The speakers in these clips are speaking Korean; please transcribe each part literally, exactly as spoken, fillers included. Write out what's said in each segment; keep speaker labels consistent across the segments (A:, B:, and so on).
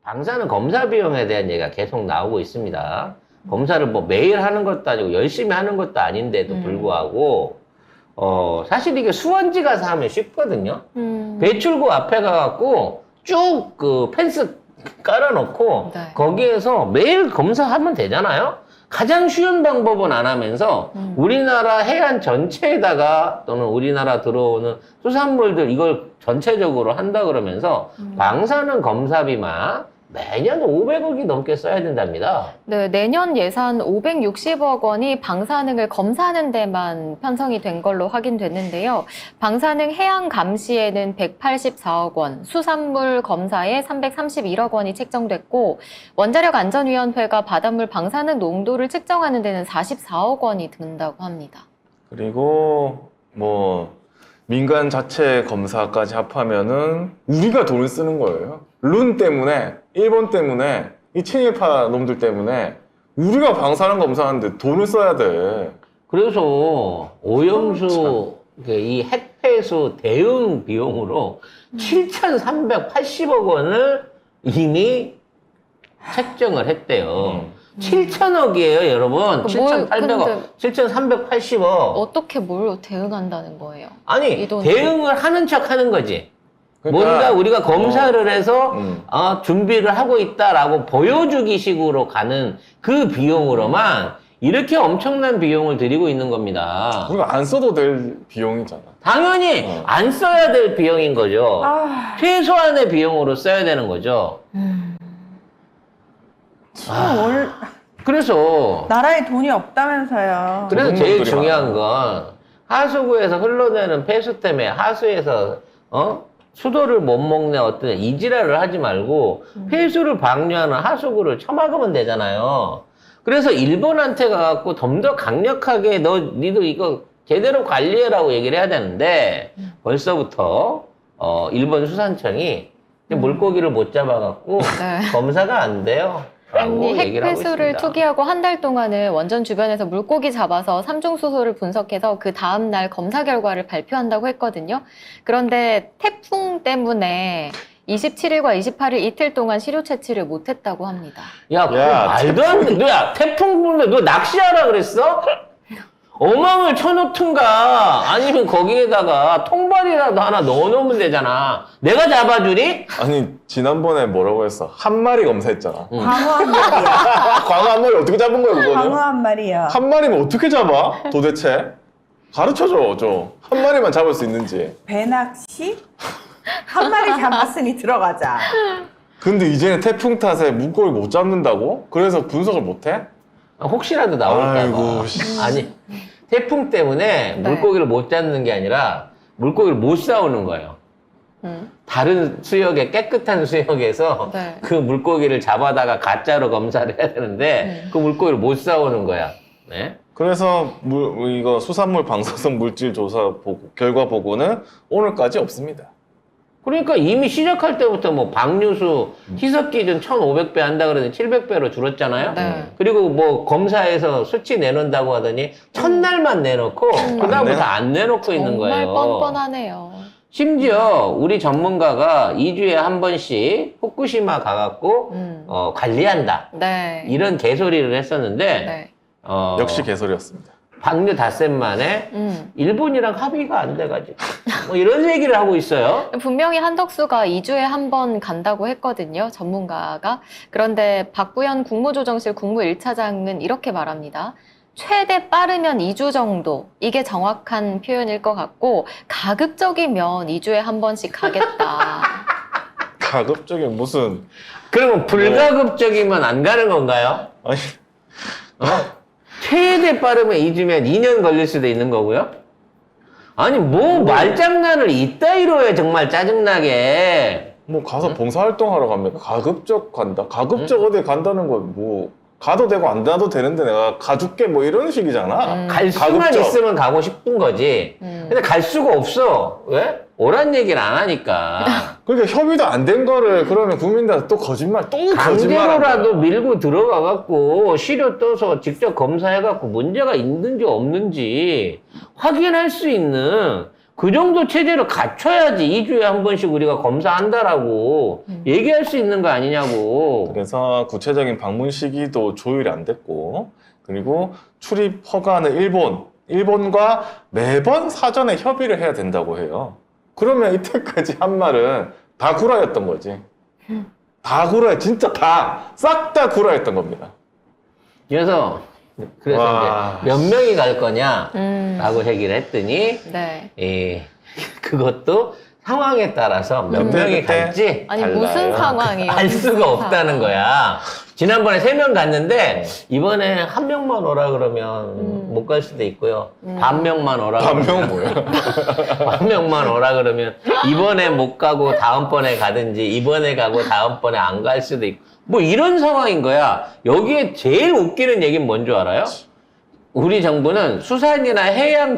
A: 방사능 검사 비용에 대한 얘기가 계속 나오고 있습니다. 검사를 뭐 매일 하는 것도 아니고 열심히 하는 것도 아닌데도
B: 음.
A: 불구하고 어 사실 이게 수원지 가서 하면 쉽거든요.
B: 음.
A: 배출구 앞에 가갖고 쭉 그 펜스 깔아놓고
B: 네.
A: 거기에서 매일 검사하면 되잖아요. 가장 쉬운 방법은 안 하면서
B: 음.
A: 우리나라 해안 전체에다가 또는 우리나라 들어오는 수산물들 이걸 전체적으로 한다 그러면서
B: 음.
A: 방사능 검사비만 매년 오백억이 넘게 써야 된답니다.
B: 네, 내년 예산 오백육십억 원이 방사능을 검사하는 데만 편성이 된 걸로 확인됐는데요. 방사능 해양 감시에는 백팔십사억 원, 수산물 검사에 삼백삼십일억 원이 책정됐고 원자력 안전위원회가 바닷물 방사능 농도를 측정하는 데는 사십사억 원이 든다고 합니다.
C: 그리고 뭐 민간 자체 검사까지 합하면은 우리가 돈을 쓰는 거예요. 룬 때문에, 일본 때문에, 이 친일파 놈들 때문에 우리가 방사능 검사하는데 돈을 써야 돼.
A: 그래서 오염수 그 이 핵폐수 대응 비용으로 칠천삼백팔십억 원을 이미 책정을 했대요.
C: 음.
A: 칠천억이에요, 여러분.
B: 뭘,
A: 칠천팔백억,
B: 근데
A: 칠천삼백팔십억.
B: 어떻게 뭘 대응한다는 거예요?
A: 아니,
B: 이 돈을.
A: 대응을 하는 척 하는 거지.
C: 그러니까,
A: 뭔가 우리가 검사를 해서
C: 음.
A: 어, 준비를 하고 있다라고 보여주기 식으로 가는 그 비용으로만 이렇게 엄청난 비용을 들이고 있는 겁니다.
C: 우리가 안 써도 될 비용이잖아.
A: 당연히
C: 어.
A: 안 써야 될 비용인 거죠.
D: 아,
A: 최소한의 비용으로 써야 되는 거죠.
B: 음.
A: 아,
D: 월,
A: 그래서
D: 나라에 돈이 없다면서요.
A: 그래서 제일
C: 공무원들이
A: 중요한
C: 많아요.
A: 건 하수구에서 흘러내는 폐수 때문에 하수에서 어? 수도를 못 먹네 어떤 이지랄을 하지 말고 폐수를 방류하는 하수구를 쳐막으면 되잖아요. 그래서 일본한테 가갖고 좀 더 강력하게 너 니도 이거 제대로 관리해라고 얘기를 해야 되는데 벌써부터 어 일본 수산청이 물고기를 못 잡아갖고
B: 네.
A: 검사가 안 돼요. 라고
B: 아니,
A: 얘기를 하고
B: 핵폐수를
A: 있습니다.
B: 투기하고 한 달 동안은 원전 주변에서 물고기 잡아서 삼중수소를 분석해서 그 다음날 검사 결과를 발표한다고 했거든요. 그런데 태풍 때문에 이십칠일과 이십팔일 이틀 동안 시료 채취를 못했다고 합니다.
A: 야, 그거
C: 야,
A: 말도 안 돼. 너야, 태풍 불면 너 낚시하라 그랬어? 어망을 쳐놓든가, 아니면 거기에다가 통발이라도 하나 넣어놓으면 되잖아. 내가 잡아주니?
C: 아니, 지난번에 뭐라고 했어? 한 마리 검사했잖아.
A: 응.
D: 광어 한 마리야.
C: 광어 한 마리 어떻게 잡은 거야,
D: 광어
C: 그거는?
D: 한 마리야.
C: 한 마리면 어떻게 잡아? 도대체? 가르쳐줘, 좀. 한 마리만 잡을 수 있는지.
D: 배낚시? 한 마리 잡았으니 들어가자.
C: 근데 이제는 태풍 탓에 물고기 못 잡는다고? 그래서 분석을 못 해?
A: 혹시라도 나올까봐.
C: 아이고, 씨.
A: 아니, 태풍 때문에
B: 네.
A: 물고기를 못 잡는 게 아니라 물고기를 못 싸우는 거예요.
B: 음.
A: 다른 수역에, 깨끗한 수역에서
B: 네.
A: 그 물고기를 잡아다가 가짜로 검사를 해야 되는데
B: 음.
A: 그 물고기를 못 싸우는 거야. 네?
C: 그래서 물, 이거 수산물 방사성 물질 조사 보고, 결과 보고는 오늘까지 없습니다.
A: 그러니까 이미 시작할 때부터 뭐 방류수 희석 기준 천오백 배 한다 그러더니 칠백 배로 줄었잖아요.
B: 네.
A: 그리고 뭐 검사에서 수치 내놓는다고 하더니 첫날만 내놓고 그다음부터 안 내놓고 있는
B: 정말
A: 거예요.
B: 뻔뻔하네요.
A: 심지어 우리 전문가가 이 주에 한 번씩 후쿠시마 가갖고
B: 음.
A: 어, 관리한다.
B: 네.
A: 이런 개소리를 했었는데
B: 네.
C: 어...
A: 어,
C: 역시 개소리였습니다.
A: 방류 닷새 만에
B: 음.
A: 일본이랑 합의가 안 돼가지고 뭐 이런 얘기를 하고 있어요.
B: 분명히 한덕수가 이 주에 한 번 간다고 했거든요, 전문가가. 그런데 박부현 국무조정실 국무 일 차장은 이렇게 말합니다. 최대 빠르면 이 주 정도. 이게 정확한 표현일 것 같고, 가급적이면 이 주에 한 번씩 가겠다.
C: 가급적인 무슨,
A: 그러면 불가급적이면 안 가는 건가요?
C: 아니,
A: 어? 최대 빠르면 이 주면 이 년 걸릴 수도 있는 거고요? 아니 뭐 말장난을 이따위로 해 정말 짜증나게.
C: 뭐 가서 봉사활동하러 가면 가급적 간다. 가급적 어디 간다는 건 뭐 가도 되고 안 가도 되는데 내가 가줄게 뭐 이런 식이잖아.
B: 음.
A: 갈 수만
C: 가급적.
A: 있으면 가고 싶은 거지.
B: 음.
A: 근데 갈 수가 없어. 왜? 오란 얘기를 안 하니까.
C: 그러니까 협의도 안 된 거를 그러면 국민들한테 또 거짓말, 또 거짓말하는
A: 강제로라도
C: 거야.
A: 밀고 들어가갖고 시료 떠서 직접 검사해갖고 문제가 있는지 없는지 확인할 수 있는 그 정도 체제를 갖춰야지 이 주에 한 번씩 우리가 검사한다라고
B: 음.
A: 얘기할 수 있는 거 아니냐고.
C: 그래서 구체적인 방문 시기도 조율이 안 됐고, 그리고 출입 허가는 일본, 일본과 매번 사전에 협의를 해야 된다고 해요. 그러면 이때까지 한 말은 다 구라였던 거지. 다 구라, 진짜 다, 싹 다 구라였던 겁니다.
A: 그래서 그래서
C: 와.
A: 이제 몇 명이 갈 거냐라고
B: 음.
A: 얘기를 했더니
B: 네.
A: 예, 그것도 상황에 따라서 몇
C: 그때,
A: 명이
C: 그때.
A: 갈지
B: 아니
C: 달라요.
B: 무슨 상황이에요?
A: 알
B: 무슨
A: 수가 없다는
B: 상황.
A: 거야. 지난번에 세 명 갔는데 이번에 한 명만 오라 그러면
B: 음.
A: 못 갈 수도 있고요.
B: 음.
A: 반 명만 오라
C: 반명
A: 그러면
C: 뭐야?
A: 반 명만 오라 그러면 이번에 못 가고 다음번에 가든지 이번에 가고 다음번에 안 갈 수도 있고 뭐 이런 상황인 거야. 여기에 제일 웃기는 얘기는 뭔 줄 알아요? 우리 정부는 수산이나 해양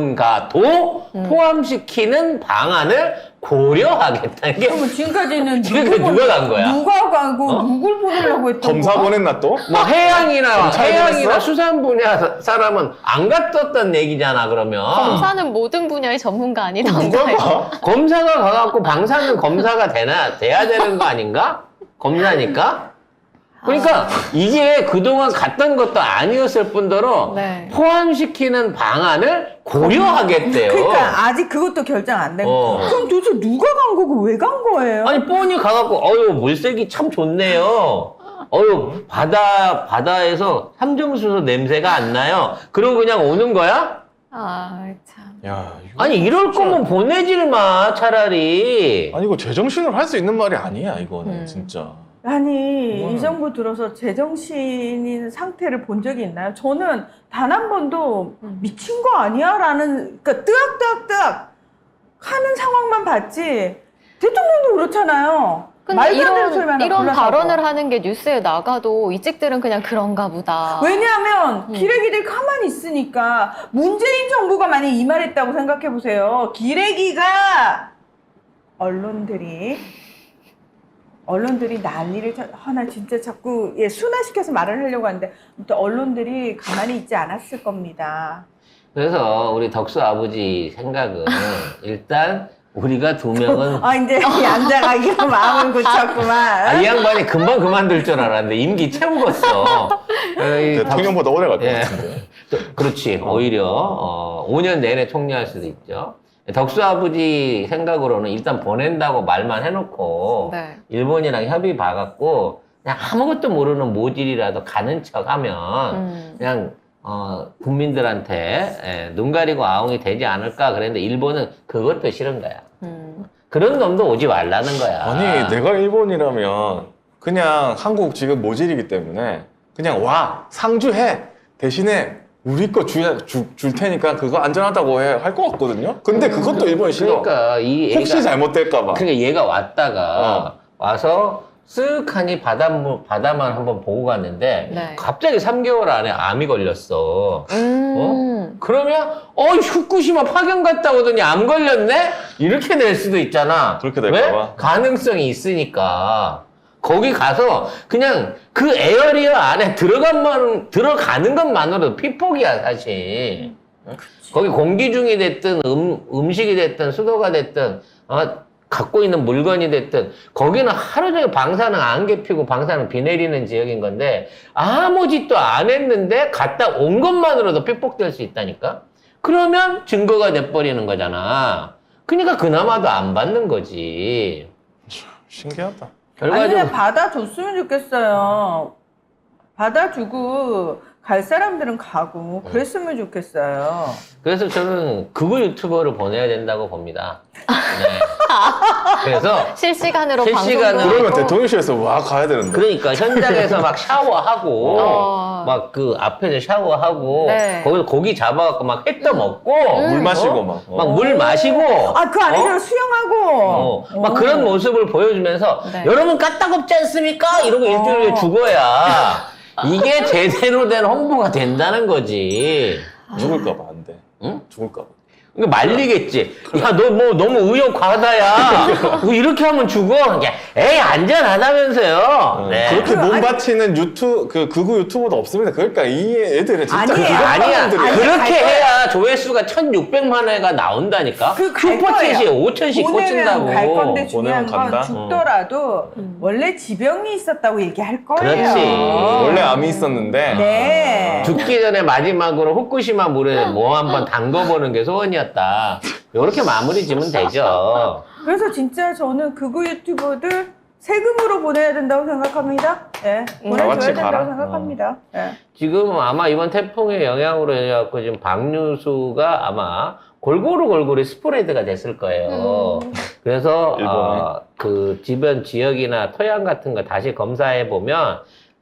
A: 전문가도
B: 음.
A: 포함시키는 방안을 고려하겠다는 게
D: 그러면 지금까지는
A: 지금까지
D: 누구
A: 누가 간 거야?
D: 누가 가고
A: 어?
D: 누굴 보내려고 했던
C: 검사
D: 거야?
C: 보냈나 또?
A: 뭐 해양이나
C: 검찰
A: 해양이나
C: 보냈어?
A: 수산 분야 사- 사람은 안 갔었던 얘기잖아 그러면.
B: 검사는 모든 분야의 전문가
C: 누가
B: 아니던가요?
C: 가?
A: 검사가 가갖고 방사는 검사가 되나 돼야 되는 거 아닌가? 검사니까. 그러니까 이게 그동안 갔던 것도 아니었을 뿐더러
B: 네.
A: 포함시키는 방안을 고려하겠대요.
D: 그러니까 아직 그것도 결정 안 된
A: 어.
D: 거. 그럼 도대체 누가 간 거고 왜 간 거예요?
A: 아니 뻔히 가갖고 어유 물색이 참 좋네요. 어유 바다 바다에서 삼점수소 냄새가 안 나요. 그러고 그냥 오는 거야?
B: 아 참.
C: 야, 이거
A: 아니 이럴
C: 진짜-
A: 거면 보내질 마 차라리.
C: 아니 이거 제정신으로 할 수 있는 말이 아니야 이거는
B: 음.
C: 진짜.
D: 아니
C: 이거는-
D: 이 정부 들어서 제정신인 상태를 본 적이 있나요? 저는 단 한 번도
B: 음.
D: 미친 거 아니야라는 그러니까 뜨악뜨악뜨악 하는 상황만 봤지 대통령도 그렇잖아요.
B: 근데
D: 말도 안 되는
B: 이런
D: 소리만
B: 이런
D: 골라서
B: 발언을
D: 하고.
B: 하는 게 뉴스에 나가도 이직들은 그냥 그런가 보다.
D: 왜냐하면
B: 음.
D: 기레기들 가만히 있으니까 문재인 정부가 만약 이 말했다고 생각해 보세요. 기레기가 언론들이 언론들이 난리를 쳐, 아, 나 진짜 자꾸 예, 순화시켜서 말을 하려고 하는데 아무튼 언론들이 가만히 있지 않았을 겁니다.
A: 그래서 우리 덕수 아버지 생각은 일단 우리가 두 명은
D: 아 이제 양자가기로 마음을 굳혔구만.
A: 아, 이 양반이 금방 그만둘 줄 알았는데 임기 채우겠어. 어, 이
C: 대통령보다 오래 갈 것
A: 예.
C: 같은데.
A: 또, 그렇지. 오히려 어, 오 년 내내 총리할 수도 있죠. 덕수 아버지 생각으로는 일단 보낸다고 말만 해놓고
B: 네.
A: 일본이랑 협의 봐갖고 그냥 아무것도 모르는 모질이라도 가는 척하면
B: 음.
A: 그냥 어, 국민들한테 예, 눈 가리고 아웅이 되지 않을까 그랬는데 일본은 그것도 싫은 거야.
B: 음.
A: 그런 놈도 오지 말라는 거야.
C: 아니 내가 일본이라면 그냥 한국 지금 모질이기 때문에 그냥 와 상주해 대신에 우리 거 줄, 줄, 줄 테니까 그거 안전하다고 해 할 것 같거든요. 근데 그것도 일본이 싫어.
A: 그러니까 이 애가
C: 혹시 잘못될까 봐.
A: 그러니까 얘가 왔다가
C: 어.
A: 와서 쓱하니 바닷물 바다만 한번 보고 갔는데
B: 네.
A: 갑자기 삼 개월 안에 암이 걸렸어.
B: 음.
A: 그러면 어 후쿠시마 파견 갔다 오더니 암 걸렸네? 이렇게 될 수도 있잖아.
C: 그렇게 될까
A: 왜?
C: 봐.
A: 가능성이 있으니까. 거기 가서 그냥 그 에어리어 안에 들어간만 들어가는 것만으로도 피폭이야 사실. 응? 거기 공기 중이 됐든 음, 음식이 됐든 수도가 됐든 어, 갖고 있는 물건이 됐든 거기는 하루 종일 방사능 안개 피고 방사능 비 내리는 지역인 건데 아무 짓도 안 했는데 갔다 온 것만으로도 피폭될 수 있다니까. 그러면 증거가 돼버리는 거잖아. 그러니까 그나마도 안 받는 거지.
C: 신기하다.
D: 아니
A: 결과적으로
D: 그냥 받아줬으면 좋겠어요. 받아주고 갈 사람들은 가고 그랬으면 좋겠어요.
A: 그래서 저는 그거 유튜버를 보내야 된다고 봅니다. 네. 그래서
B: 실시간으로
A: 실시간으로
B: 방송도
C: 그러면
B: 하고.
C: 대통령실에서 와 가야 되는데.
A: 그러니까 현장에서 막 샤워하고
B: 어.
A: 막 그 앞에서 샤워하고
B: 네.
A: 거기서 고기 잡아갖고 막 햇도 먹고
C: 물 마시고 막. 어.
A: 막 물 마시고
D: 아 그 안에
A: 어?
D: 서 수영하고
A: 어, 막
D: 어.
A: 그런 모습을 보여주면서
B: 네.
A: 여러분 까딱없지 않습니까? 이러고 일주일에
D: 어.
A: 죽어야 이게 제대로 된 홍보가 된다는 거지.
C: 죽을까 봐 안 돼.
A: 응?
C: 죽을까 봐.
A: 이거 말리겠지. 야, 너 뭐 너무 의욕 과다야. 뭐 이렇게 하면 죽어. 야, 에이, 안전하다면서요.
C: 어,
A: 네.
C: 그렇게 몸
D: 아니-
C: 바치는 유튜 그 극우 유튜버도 없습니다. 그러니까 이 애들은 진짜
D: 아니에요.
C: 그런
A: 아니야.
C: 사람들이야.
D: 아니,
A: 그렇게
D: 갈 거야.
A: 해야 조회수가 천육백만 회가 나온다니까.
D: 그 갈
A: 슈퍼챗이
D: 거예요.
A: 오천씩
D: 보내면
A: 꽂힌다고.
D: 갈 건데 중요한
C: 보내면 간다?
D: 건 죽더라도
B: 음.
D: 원래 지병이 있었다고 얘기할 거예요.
A: 그렇지.
C: 원래 암이 있었는데
D: 네.
A: 죽기 전에 마지막으로 후쿠시마 물에 뭐 한번 담궈보는 게 소원이었다. 이렇게 마무리 지면 되죠.
D: 그래서 진짜 저는 극우 유튜버들 세금으로 보내야 된다고 생각합니다. 예, 보내줘야
C: 같이
D: 된다고
C: 가라.
D: 생각합니다. 예.
A: 지금 아마 이번 태풍의 영향으로 해갖고 지금 박류수가 아마 골고루 골고루 스프레드가 됐을 거예요.
B: 음.
A: 그래서
C: 일본에.
A: 어, 그 주변 지역이나 토양 같은 거 다시 검사해 보면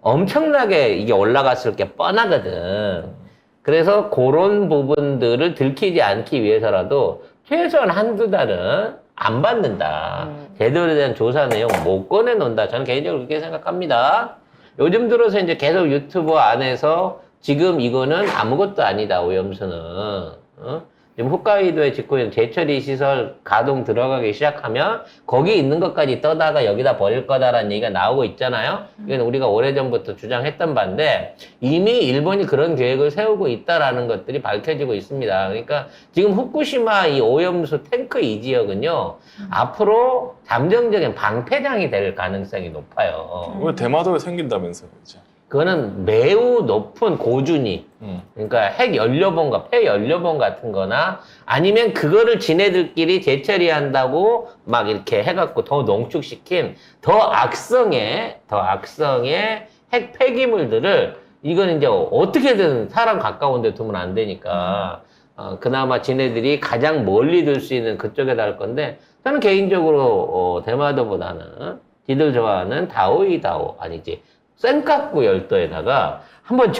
A: 엄청나게 이게 올라갔을 게 뻔하거든. 그래서 그런 부분들을 들키지 않기 위해서라도 최소한 한두 달은 안 받는다.
B: 음.
A: 제대로 된 조사 내용 못 꺼내놓는다. 저는 개인적으로 그렇게 생각합니다. 요즘 들어서 이제 계속 유튜브 안에서 지금 이거는 아무것도 아니다, 오염수는. 어? 지금 홋카이도에 짓고 있는 재처리 시설 가동 들어가기 시작하면 거기 있는 것까지 떠다가 여기다 버릴 거다라는 얘기가 나오고 있잖아요. 이건 우리가 오래전부터 주장했던 바인데 이미 일본이 그런 계획을 세우고 있다라는 것들이 밝혀지고 있습니다. 그러니까 지금 후쿠시마 이 오염수 탱크 이 지역은요, 앞으로 잠정적인 방패장이 될 가능성이 높아요.
C: 왜 대마도에 생긴다면서요, 이제.
A: 그거는 매우 높은 고준위,
C: 음.
A: 그러니까 핵 연료봉과 폐 연료봉 같은 거나 아니면 그거를 지네들끼리 재처리한다고 막 이렇게 해갖고 더 농축시킨 더 악성의, 더 악성의 핵 폐기물들을 이건 이제 어떻게든 사람 가까운 데 두면 안 되니까 어, 그나마 지네들이 가장 멀리 둘 수 있는 그쪽에다 할 건데 저는 개인적으로 어, 대마도보다는 지들 좋아하는 다오이다오 아니지 센카쿠 열도에다가 한번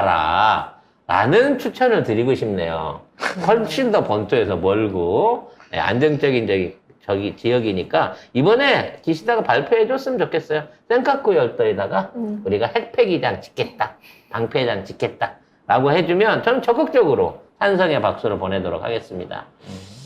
A: 줘봐라 라는 추천을 드리고 싶네요. 훨씬 더 본토에서 멀고 네, 안정적인 저기, 저기 지역이니까 이번에 기시다가 발표해 줬으면 좋겠어요. 센카쿠 열도에다가
B: 음.
A: 우리가 핵폐기장 짓겠다, 방패장 짓겠다 라고 해주면 저는 적극적으로 찬성의 박수를 보내도록 하겠습니다.
C: 음.